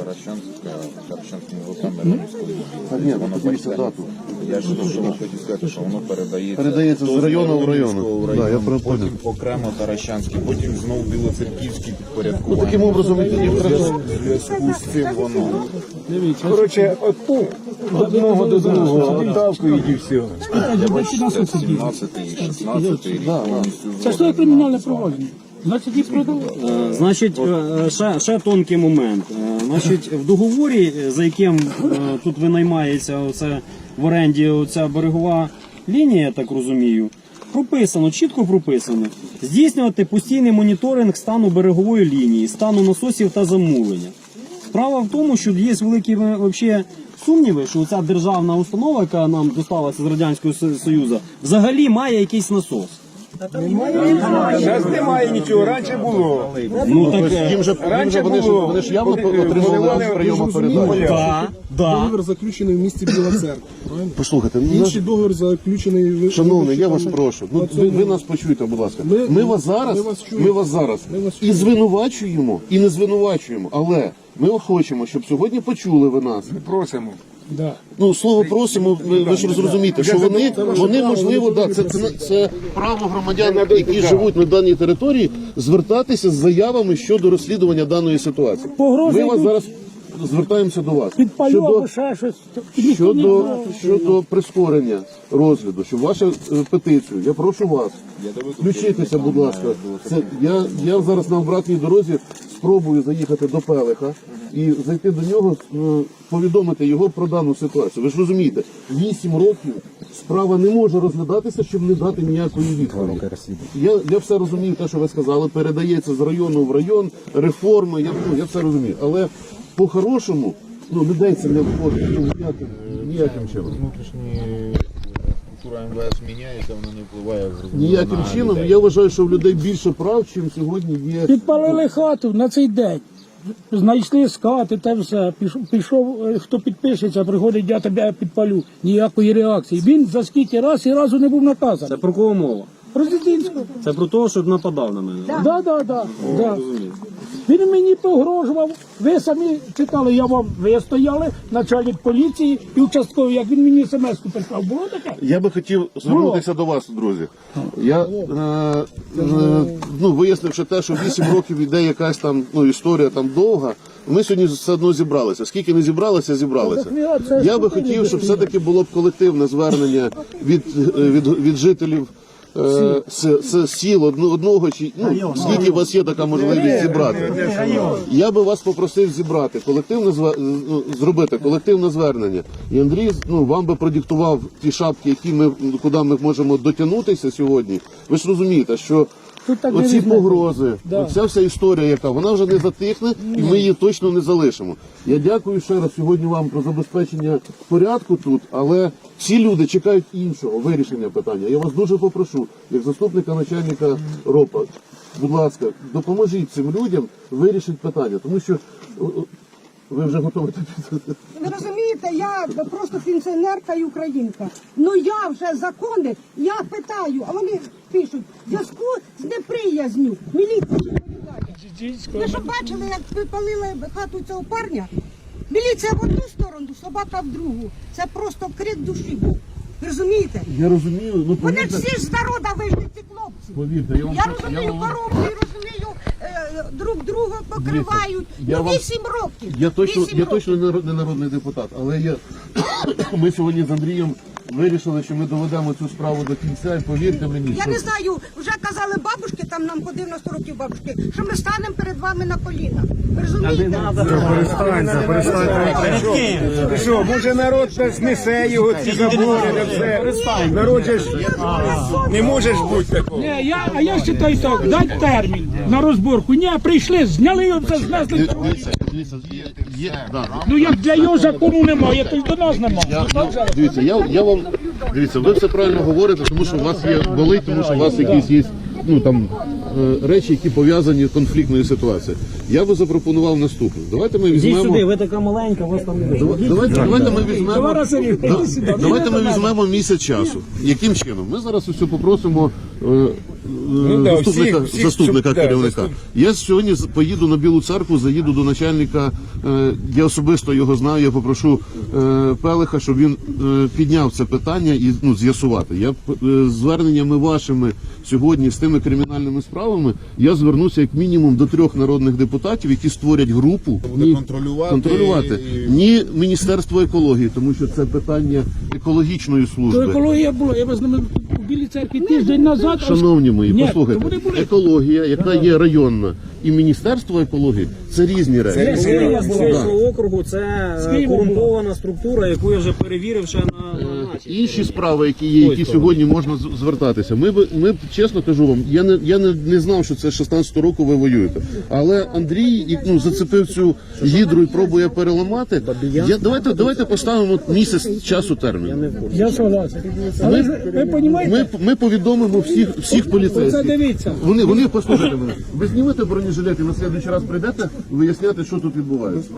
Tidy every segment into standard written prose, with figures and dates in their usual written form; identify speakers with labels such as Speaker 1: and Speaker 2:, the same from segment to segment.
Speaker 1: Таращанському Володимирському.
Speaker 2: Нет, воно подивіться дату.
Speaker 1: Я ж хотів сказати, що воно
Speaker 2: Передається з району в район. Да, я
Speaker 1: потім
Speaker 2: понял.
Speaker 1: окремо Таращанський, потім знову Білоцерківський підпорядкування.
Speaker 2: Таким образом, їх треба...
Speaker 1: В зв'язку з цим воно.
Speaker 3: Коротше, одного до другого, отавкують і все.
Speaker 1: 17 і 16 рік повністю.
Speaker 4: Це ж кримінальне провадження. Значить, їх продали.
Speaker 5: Значить, ще тонкий момент. Значить, в договорі, за яким тут винаймається оце, в оренді оця берегова лінія, я так розумію, прописано, чітко прописано, здійснювати постійний моніторинг стану берегової лінії, стану насосів та замулення. Справа в тому, що є великі вообще сумніви, що ця державна установа, яка нам досталася з Радянського Союзу, взагалі має якийсь насос.
Speaker 3: Зараз немає нічого, раніше було.
Speaker 5: Ну так,
Speaker 3: Раніше
Speaker 2: Вони
Speaker 3: було.
Speaker 2: ж явно отримали акт прийому передачі.
Speaker 5: да.
Speaker 6: Договір заключений в місті Біла Церква. Правильно?
Speaker 2: Послухайте,
Speaker 6: Інший договір заключений в...
Speaker 2: шановний, я вас прошу, ви нас почуєте, будь ласка. Ми вас зараз і звинувачуємо, і не звинувачуємо, але ми хочемо, щоб сьогодні почули ви нас.
Speaker 3: Просимо.
Speaker 6: Да.
Speaker 2: Ну, слово просимо, ви ж розумієте, що вони можливо, да, це право громадян, які живуть на даній території, звертатися з заявами щодо розслідування даної ситуації. Ми вас зараз звертаємося до вас.
Speaker 4: Підпалю або ще щось.
Speaker 2: Щодо прискорення розгляду, щоб вашу петицію, я прошу вас, включитися, будь ласка. Я зараз на обратній дорозі спробую заїхати до Пелиха і зайти до нього, повідомити його про дану ситуацію. Ви ж розумієте, 8 років справа не може розглядатися, щоб не дати ніякої відповіді. Я все розумію, те, що ви сказали, передається з району в район, реформи, я все розумію. Але по-хорошому, людей це не входить ніяким чином.
Speaker 1: Внутрішні структура МВС міняється, воно не впливає
Speaker 2: Ніяким чином. Я вважаю, що в людей більше прав, чим сьогодні є.
Speaker 4: Підпалили хату на цей день. Знайшли скати, те все. Пішов, хто підпишеться, приходить, я тебе підпалю. Ніякої реакції. Він за скільки раз і разу не був наказаний.
Speaker 5: Це про кого мова?
Speaker 4: Президентського.
Speaker 5: Це про те, що нападав на мене.
Speaker 4: Да. Він мені погрожував. Ви самі читали, ви стояли, начальник поліції і участковий, як він мені смс-ку прислав. Було таке?
Speaker 2: Я би хотів звернутися до вас, друзі. Я вияснивши те, що 8 років іде якась там історія там довга. Ми сьогодні все одно зібралися. Скільки не зібралися, зібралися. Я би хотів, щоб все-таки було б колективне звернення від жителів сіл одного, чи скільки у вас є така можливість зібрати. Я би вас попросив зібрати зробити колективне звернення. І Андрій вам би продиктував ті шапки, куди ми можемо дотягнутися сьогодні. Ви ж розумієте, що оці погрози, оця вся історія, яка вона вже не затихне, і ми її точно не залишимо. Я дякую ще раз сьогодні вам про забезпечення порядку тут, але всі люди чекають іншого вирішення питання. Я вас дуже попрошу, як заступника начальника РОПа, будь ласка, допоможіть цим людям вирішити питання, тому що ви вже готові.
Speaker 7: Ви розумієте, я просто пенсіонерка і українка. Я вже закони, я питаю, а вони пишуть, в зв'язку з неприязню. Міліція відповідає. Ви що бачили, як випалили хату цього парня? Міліція в одну сторону, собака в другу. Це просто крик душі був. Ви розумієте?
Speaker 2: Я розумію,
Speaker 7: Вони всі ж з народу вийшли, ці хлопці.
Speaker 2: Повірте,
Speaker 7: Я розумію корупцію, розумію, друг друга покривають. 8 років.
Speaker 2: Я точно не народний депутат, але ми сьогодні з Андрієм вирішили, що ми доведемо цю справу до кінця, і повірте мені,
Speaker 7: Я не знаю, вже казали бабушки, там нам по 90 років бабушки, що ми станемо перед вами на коліна. Ви розумієте?
Speaker 3: Що, може народ знесе його, ці забори, не все. Народ же ж не може ж бути такого.
Speaker 4: Ні, я вважаю так, дать термін на розборку. Ні, прийшли, зняли його, все знесли. Як для його закону немає, то й до нас немає.
Speaker 2: Дивіться, ви все правильно говорите, тому що у вас є болить, тому що у вас якісь є речі, які пов'язані з конфліктною ситуацією. Я би запропонував наступне. Давайте ми візьмемо...
Speaker 5: Йдіть сюди, ви така маленька, вас там не
Speaker 2: Давайте ми візьмемо місяць часу. Яким чином? Ми зараз усе попросимо заступника
Speaker 3: да,
Speaker 2: керівника. Я сьогодні поїду на Білу Церкву, заїду до начальника, я особисто його знаю, я попрошу Пелиха, щоб він підняв це питання і з'ясувати. Я зверненнями вашими сьогодні з тими кримінальними справами, я звернуся як мінімум до 3 народних депутатів, які створять групу.
Speaker 1: Буде контролювати.
Speaker 2: Ні Міністерство екології, тому що це питання екологічної
Speaker 4: То
Speaker 2: служби.
Speaker 4: екологія була, я вас ними у Білій церкві тиждень назад.
Speaker 2: Шановні мої,
Speaker 4: Ні,
Speaker 2: послухайте,
Speaker 4: то вони були.
Speaker 2: екологія, яка є районна, і Міністерство екології – це різні речі.
Speaker 5: Волинського округу це
Speaker 4: Києва
Speaker 5: корумпована структура, яку я вже перевірив ще на
Speaker 2: Інші справи, які є, які сьогодні можна звертатися. Ми чесно кажу вам, я не знав, що це 16 року ви воюєте. Але Андрій зацепив цю гідру і пробує переламати. Давайте поставимо місяць часу термін.
Speaker 4: Я согласен. Але ж, ви розумієте,
Speaker 2: Ми повідомимо всіх
Speaker 4: це
Speaker 2: поліцейських.
Speaker 4: дивіться.
Speaker 2: Вони послухайте мене. Ви знімете бронежилет і на слідуючий раз прийдете виясняти, що тут відбувається.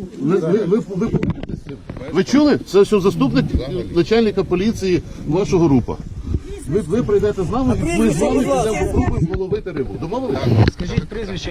Speaker 2: Ви чули? Це все заступник начальника поліції вашого група. Ви прийдете з нами, і ми з вами підемо попробуємо ловити рибу. Домовились?
Speaker 5: Скажіть прізвище.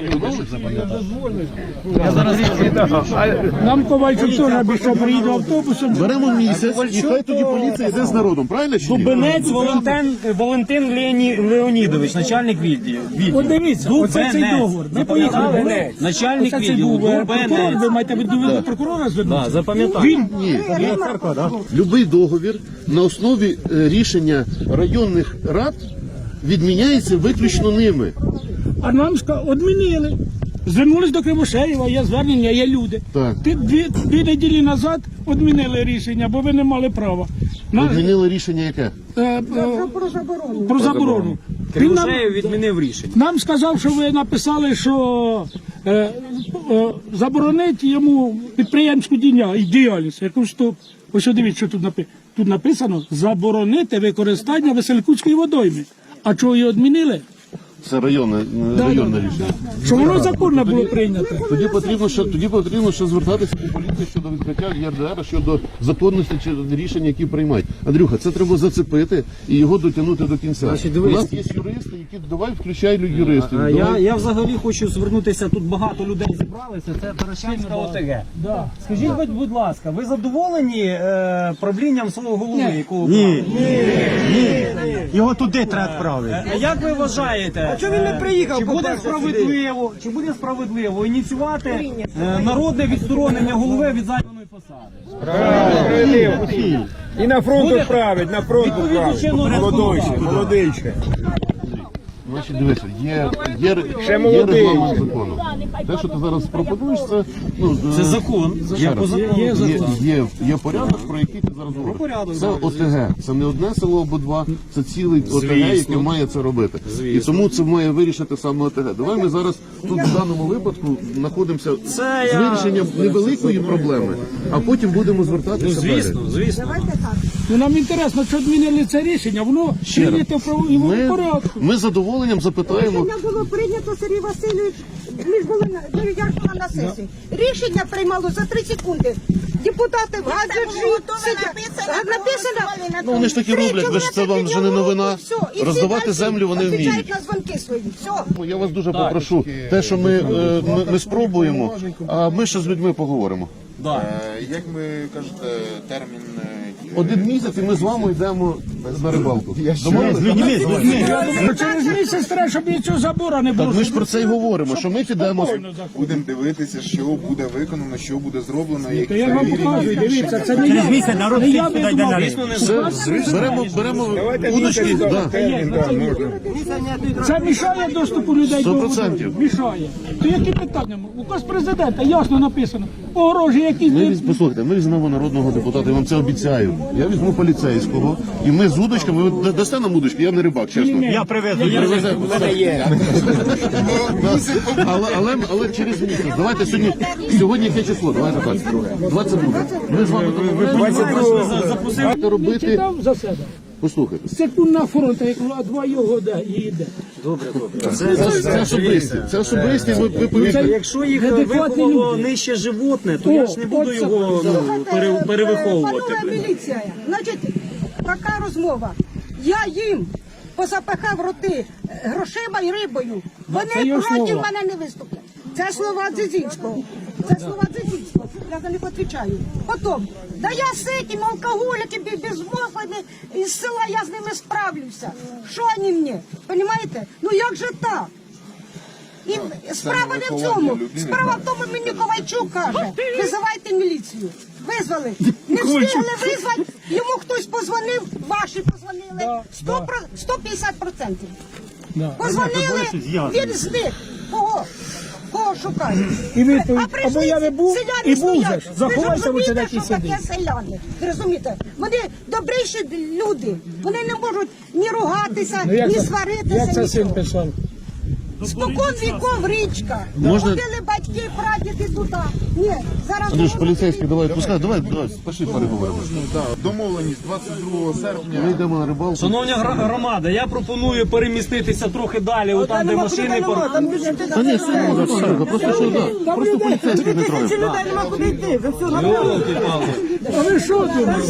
Speaker 4: Нам Ковальчук теж обіцяв, приїде автобусом.
Speaker 2: Беремо місяць, і хай тоді поліція йде з народом. Правильно чи ні?
Speaker 5: Дубенець Валентин Леонідович, начальник відділу.
Speaker 4: От дивіться, оце цей договор. Ми поїхали.
Speaker 5: Начальник
Speaker 4: Оце цей
Speaker 5: відділу
Speaker 4: був прокурор,
Speaker 5: Дубенець.
Speaker 4: ви маєте до прокурора звернутися?
Speaker 5: Запам'ятав.
Speaker 4: Він
Speaker 2: Любий договір на основі рішення районних рад відміняється виключно ними.
Speaker 4: А нам одмінили. Звернулись до Кривошеєва, є звернення, є люди.
Speaker 2: Так.
Speaker 4: Дві неділі назад відмінили рішення, бо ви не мали права.
Speaker 2: Відмінили рішення яке?
Speaker 7: Про заборону.
Speaker 4: Про заборону. Він нам,
Speaker 5: Кривошеєв відмінив рішення.
Speaker 4: нам сказав, що ви написали, що заборонить йому підприємську діяльність. Я кажу, що ось дивіться, що тут написано заборонити використання Веселькутської водойми. А чого її відмінили?
Speaker 2: Це районне рішення.
Speaker 4: Що воно законно було прийнято.
Speaker 2: Тоді потрібно ще звертатися до поліції щодо відкриття ЄРДР, щодо законності чи рішення, які приймають. Андрюха, це треба зацепити і його дотягнути до кінця. У нас є юристи, які давай включай юристів.
Speaker 5: Я взагалі хочу звернутися, тут багато людей зібралися, це Таращанська ОТГ. Скажіть, будь ласка, ви задоволені правлінням свого голови? Ні.
Speaker 3: Його туди треба відправити.
Speaker 5: Як ви вважаєте,
Speaker 3: А чого він не приїхав?
Speaker 5: чи буде справедливо ініціювати народне відсторонення голови від займаної посади?
Speaker 3: І на фронт відправить, на фронт відправить. Молодий ще.
Speaker 2: Значить, дивися, є
Speaker 3: молодий.
Speaker 2: регламент закону. Те, що ти зараз пропонуєш,
Speaker 5: Це закон.
Speaker 2: Ще раз. Є порядок, про який ти зараз говориш. Це ОТГ. Це не одне село або два, це цілий ОТГ, який має це робити. І тому це має вирішити саме ОТГ. Давай ми зараз тут в даному випадку знаходимося з вирішенням невеликої проблеми, а потім будемо звертатися далі.
Speaker 5: Звісно.
Speaker 4: Ну, нам інтересно, що відмінили це рішення, воно прийнято в правовому порядку.
Speaker 2: Ми з задоволенням запитаємо.
Speaker 7: Рішення було прийнято, Сергій Васильович, ми ж були я ж була на сесії. Рішення приймало за 3 секунди. Депутати в гаджеті написано.
Speaker 2: Ну, вони ж такі роблять, ви ж це вам вже не новина. Роздавати землю вони вміють.
Speaker 7: Відповідають на дзвонки свої. Все.
Speaker 2: Я вас дуже попрошу, те, що ми спробуємо, а ми ще з людьми поговоримо.
Speaker 1: Як ви кажете, термін дії?
Speaker 2: 1 місяць і ми з вами йдемо на рибалку. Домовились?
Speaker 4: Через місяць треба, щоб нічого забора не було.
Speaker 2: Так ми ж про це й говоримо, що ми підемо.
Speaker 1: Будемо дивитися, що буде виконано, що буде зроблено, які
Speaker 4: Я вам
Speaker 1: перевірені.
Speaker 4: показую, дивіться, це не я. Не я видумав.
Speaker 2: Беремо удочки. Да.
Speaker 4: Це мішає доступу людей до
Speaker 2: 100%.
Speaker 4: води? Мішає. То які питання? Указ президента ясно написано. Огорожі якісь.
Speaker 2: Послухайте, ми візьмемо народного депутата, я вам це обіцяю. Я візьму поліцейського, і ми з удочками, ви дасте нам удочки, я не рибак, чесно.
Speaker 3: Я привезу.
Speaker 2: Але через місяць. Давайте сьогодні яке число? Давайте так. 22. Ми з вами
Speaker 4: Я
Speaker 2: робити.
Speaker 4: читав за себе.
Speaker 2: Послухайте.
Speaker 4: Секундна фронта, як два його їде.
Speaker 2: Це особисті, ви повірте.
Speaker 5: Якщо їх
Speaker 4: Адекватні
Speaker 5: виховало
Speaker 4: люди.
Speaker 5: нижче животне, то я ж не буду його перевиховувати.
Speaker 7: Панове міліція, значить, така розмова. Я їм позапихав роти грошима і рибою.
Speaker 4: це
Speaker 7: Вони
Speaker 4: його
Speaker 7: проти
Speaker 4: слова.
Speaker 7: мене не виступлять. Це слова Дзизінського. Це слова Дзизінського. Я за них відповідаю. Потім, да я з цим алкоголіками, безмозглими із села, я з ними справлюся. Що вони мені? Понимаєте? Ну як же так? І справа не в цьому. Справа в тому, мені Ковальчук каже, визивайте міліцію. Визвали. Не встигли визвати, йому хтось позвонив, ваші позвонили. 150%.
Speaker 4: Да.
Speaker 7: Позвонили, він зник. Кого? Кого шукають?
Speaker 4: І відповідь,
Speaker 7: А прийшли
Speaker 4: або я не був,
Speaker 7: селяни
Speaker 4: і був
Speaker 7: стоять.
Speaker 4: же ж. Заховайся,
Speaker 7: Ви
Speaker 4: ви
Speaker 7: розумієте,
Speaker 4: сидять і
Speaker 7: що таке
Speaker 4: сидіть.
Speaker 7: селяни? Ви розумієте? Вони добріші люди. Вони не можуть ні ругатися,
Speaker 4: Ну, як
Speaker 7: ні
Speaker 4: це-
Speaker 7: сваритися.
Speaker 4: Як це син
Speaker 7: нічого.
Speaker 4: писав?
Speaker 7: Спокон віков річка.
Speaker 2: Можна-
Speaker 7: Ходили батьки, прадіди туди. Ні, зараз...
Speaker 2: Андрюш, поліцейський, давай, пускай, давай, пошли переговоримо.
Speaker 1: Да, домовленість 22 серпня.
Speaker 2: Ми йдемо на рибалку.
Speaker 5: Шановні громада, я пропоную переміститися трохи далі, там, де машини паркуються.
Speaker 2: Та ні, все можна, все, просто що, да, просто поліцейський не троє.
Speaker 7: людей нема куди йти. Ви все
Speaker 4: А ви що думаєте?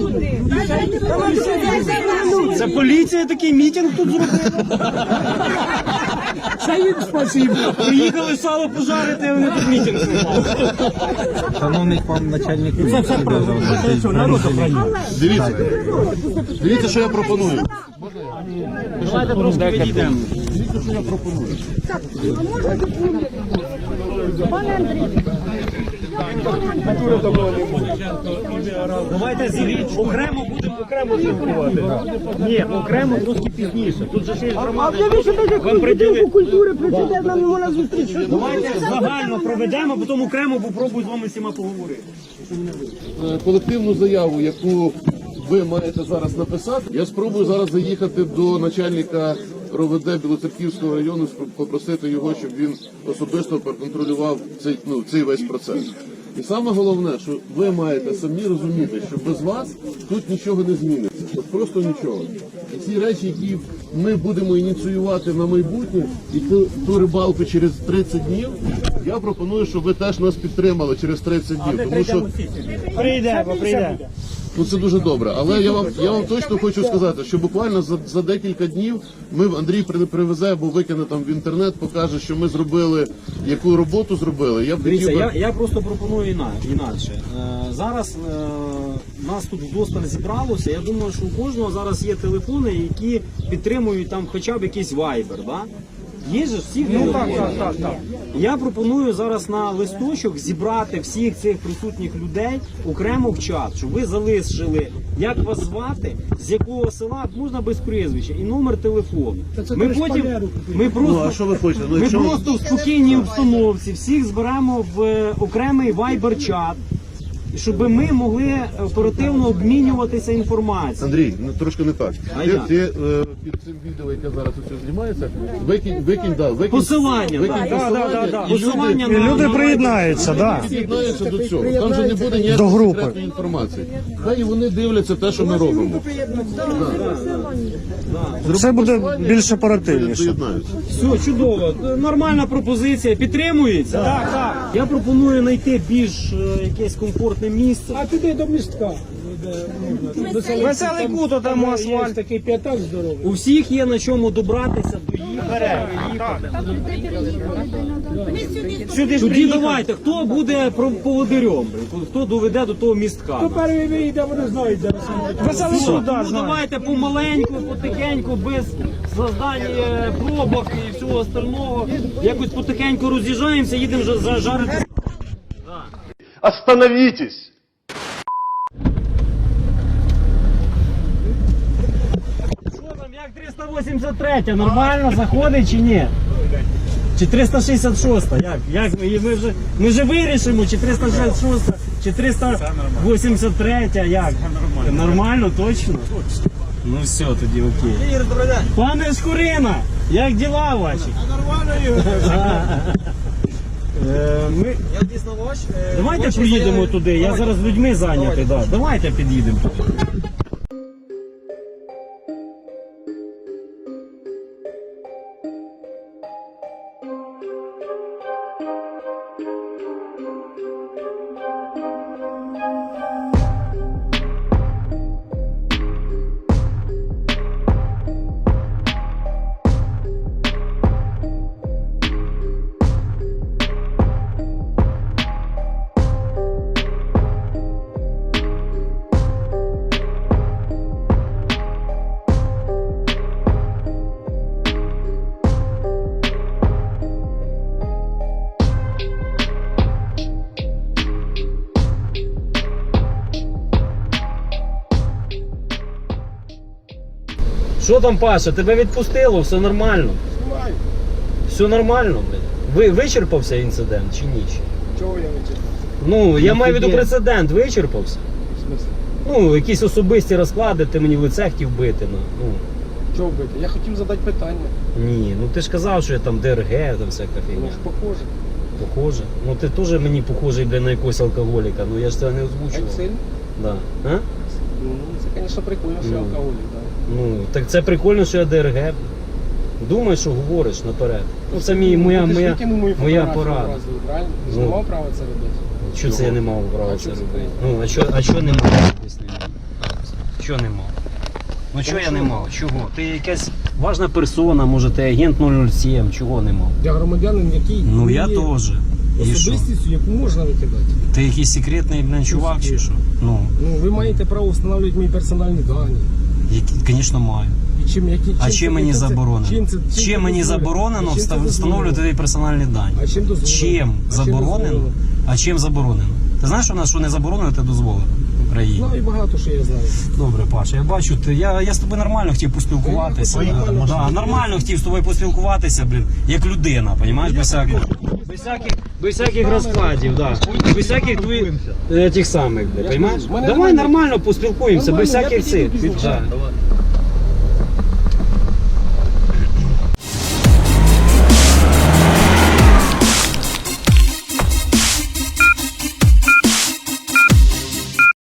Speaker 5: Це поліція такий мітинг тут зробила.
Speaker 4: Це їм спасибо.
Speaker 5: Приїхали сало пожарити, а вони тут мітинг зробили.
Speaker 8: Шановний пан начальник,
Speaker 2: Дивіться, дивіться, що я пропоную.
Speaker 5: Давайте трошки відійдемо. Давайте зігріть, окремо будемо окремо спілкувати. Ні, окремо трошки пізніше. Тут же ще є громада. Вам приділи.
Speaker 7: культури прийде, нам не можна зустріти.
Speaker 5: Давайте загально проведемо, потім окремо попробую з вами всіма поговорити.
Speaker 2: Колективну заяву, яку ви маєте зараз написати, я спробую зараз заїхати до начальника РОВД Білоцерківського району, попросити його, щоб він особисто проконтролював цей весь процес. І саме головне, що ви маєте самі розуміти, що без вас тут нічого не зміниться. От просто нічого. І ці речі, які ми будемо ініціювати на майбутнє, і ту рибалку через 30 днів, я пропоную, щоб ви теж нас підтримали через 30 днів. Тому що
Speaker 5: Прийде.
Speaker 2: ну це дуже добре. Але я вам точно хочу сказати, що буквально за декілька днів Андрій привезе або викине там в інтернет, покаже, що ми зробили, яку роботу зробили. Я б хотів
Speaker 5: Дивіться,
Speaker 2: би...
Speaker 5: я просто пропоную інакше. Зараз нас тут вдосталь зібралося. Я думаю, що у кожного зараз є телефони, які підтримують там хоча б якийсь вайбер. Да? Є же всіх телефони.
Speaker 4: Так.
Speaker 5: Я пропоную зараз на листочок зібрати всіх цих присутніх людей окремо в чат, щоб ви залишили, як вас звати, з якого села, можна без прізвища, і номер телефону.
Speaker 4: це
Speaker 5: Ми
Speaker 4: ти ж
Speaker 5: потім,
Speaker 4: шпалеру
Speaker 5: ми просто,
Speaker 2: а що ви хочете? Ну,
Speaker 5: ми
Speaker 2: якщо-
Speaker 5: просто в спокійній обстановці всіх зберемо в окремий вайбер-чат, щоб ми могли оперативно обмінюватися інформацією.
Speaker 2: Андрій, ну трошки не так.
Speaker 5: А
Speaker 2: Ти
Speaker 5: як?
Speaker 2: під цим відео, яке зараз усе знімається, викинь
Speaker 5: Посилання,
Speaker 2: посилання, і
Speaker 5: посилання
Speaker 2: люди,
Speaker 5: на-
Speaker 8: люди
Speaker 5: на-
Speaker 8: приєднаються, да.
Speaker 2: приєднаються до цього. Там же не буде ніякої
Speaker 8: До групи.
Speaker 2: секретної інформації. Хай і вони дивляться те, що ми робимо.
Speaker 8: Це буде більш оперативніше.
Speaker 2: Доєднаються.
Speaker 5: Все, чудово. Нормальна пропозиція. Підтримується? Так. Я пропоную знайти більш якесь комфортне місце.
Speaker 4: А туди до містка.
Speaker 8: Веселий кут, там
Speaker 4: Є
Speaker 8: асфальт.
Speaker 4: такий п'ятак здоровий.
Speaker 5: У всіх є на чому добратися до їх. Тоді давайте, хто буде поводирем? Хто доведе до того містка?
Speaker 4: Хто перший виїде, вони знають, де
Speaker 8: Веселий
Speaker 5: Все,
Speaker 8: кут, да,
Speaker 5: ну,
Speaker 8: знаю.
Speaker 5: давайте помаленьку, потихеньку, без создання пробок і всього остального. Якось потихеньку роз'їжджаємося, їдемо жарити.
Speaker 2: Остановитесь!
Speaker 5: Що там, як 383, нормально заходить чи ні? Чи 366, як? Ми вже вирішимо, чи 366, чи 383, як? Нормально, точно? Ну все, тоді окей. Пане Шкурина, як діла ваші? Нормально, Давайте поїдемо туди, я зараз з людьми зайнятий, да. Давайте під'їдемо туди. Що там, Паша, тебе відпустило, все нормально? Все нормально, блядь. Вичерпався інцидент чи ні?
Speaker 6: Чого я вичерпав?
Speaker 5: Ну, я маю в виду прецедент, вичерпався.
Speaker 6: В смислі?
Speaker 5: Ну, якісь особисті розклади, ти мені в лице хотів бити. Ну.
Speaker 6: Чого вбити? Я хотів задати питання.
Speaker 5: Ні, ну ти ж казав, що я там ДРГ, там всяка
Speaker 6: Ну
Speaker 5: фігня.
Speaker 6: ж похоже.
Speaker 5: Похоже. Ну ти теж мені похожий, бля, на якогось алкоголіка, ну я ж це не
Speaker 6: Як
Speaker 5: озвучував.
Speaker 6: сильно?
Speaker 5: Да. А?
Speaker 6: Ну, це, звісно, прикольно, що я
Speaker 5: Ну.
Speaker 6: алкоголік, так.
Speaker 5: Ну, так це прикольно, що я ДРГ. Думай, що говориш наперед. Ну це моя порада.
Speaker 6: Правильно? Ти ж не
Speaker 5: Ну.
Speaker 6: мав права це робити.
Speaker 5: Що це я не мав права
Speaker 6: А
Speaker 5: це
Speaker 6: чого це
Speaker 5: робити? Ну, а що не мав? Поясни мені. Що не мав? Ну чого я не мав? Чого? Ти якась важна персона, може ти агент 007, чого не мав?
Speaker 6: Я громадянин, який
Speaker 5: Ну
Speaker 6: не
Speaker 5: я
Speaker 6: є
Speaker 5: теж. І що?
Speaker 6: особистістю, яку можна викидати.
Speaker 5: Ти якийсь секретний, блин, чувак чи що? Ну,
Speaker 6: Ну, ви маєте право встановлювати мої персональні дані.
Speaker 5: звісно, маю.
Speaker 6: І
Speaker 5: А чим мені заборонено?
Speaker 6: Чим
Speaker 5: Чим мені заборонено встановлювати твої персональні дані?
Speaker 6: А чим дозволено?
Speaker 5: Чим заборонено? А чим заборонено? Ти знаєш, у нас що не заборонено, те дозволено в Україні?
Speaker 6: Знаю багато, що я знаю.
Speaker 5: Добре, Паша, я бачу, я з тобою нормально хотів поспілкуватися. Нормально хотів з тобою поспілкуватися, блін, як людина, розумієш, без всяких розкладів, да. Без всяких твоїх тих самих, блін, розумієш? Давай нормально поспілкуємося, без всяких цих. Да.